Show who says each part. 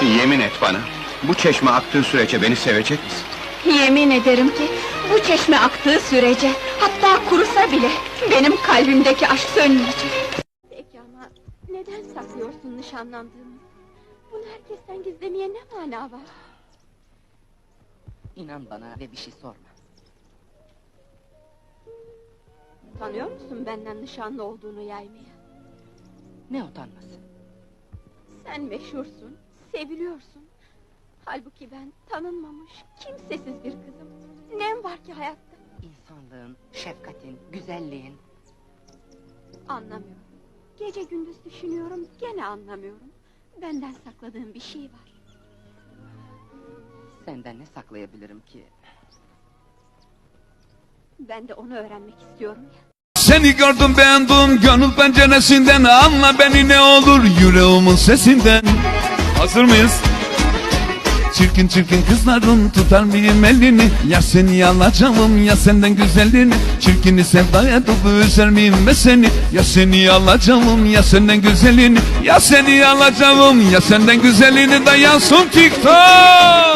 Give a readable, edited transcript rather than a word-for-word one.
Speaker 1: Yemin et bana, bu çeşme aktığı sürece beni sevecek misin?
Speaker 2: Yemin ederim ki bu çeşme aktığı sürece, hatta kurusa bile benim kalbimdeki aşk sönmeyecek. Peki ama neden saklıyorsun nişanlandığımı? Bunu herkesten gizlemeye ne mana var?
Speaker 3: İnan bana ve bir şey sorma.
Speaker 2: Tanıyor musun benden nişanlı olduğunu yaymaya?
Speaker 3: Ne utanması?
Speaker 2: Sen meşhursun, seviliyorsun. Halbuki ben tanınmamış, kimsesiz bir kızım. Nem var ki hayatta?
Speaker 3: İnsanlığın, şefkatin, güzelliğin.
Speaker 2: Anlamıyorum. Gece gündüz düşünüyorum, gene anlamıyorum. Benden sakladığın bir şey var.
Speaker 3: Senden ne saklayabilirim ki?
Speaker 2: Ben de onu öğrenmek istiyorum ya.
Speaker 4: Seni gördüm beğendim gönül penceresinden. Anla beni ne olur yüreğimin sesinden. Hazır mıyız? Çirkin çirkin kızların tutar mıyım elini? Ya seni alacağım ya senden güzelliğini. Çirkini sevdaya tutup üzer miyim ben seni? Ya seni alacağım ya senden güzelliğini. Ya seni alacağım ya senden güzelliğini. Dayansın TikTok.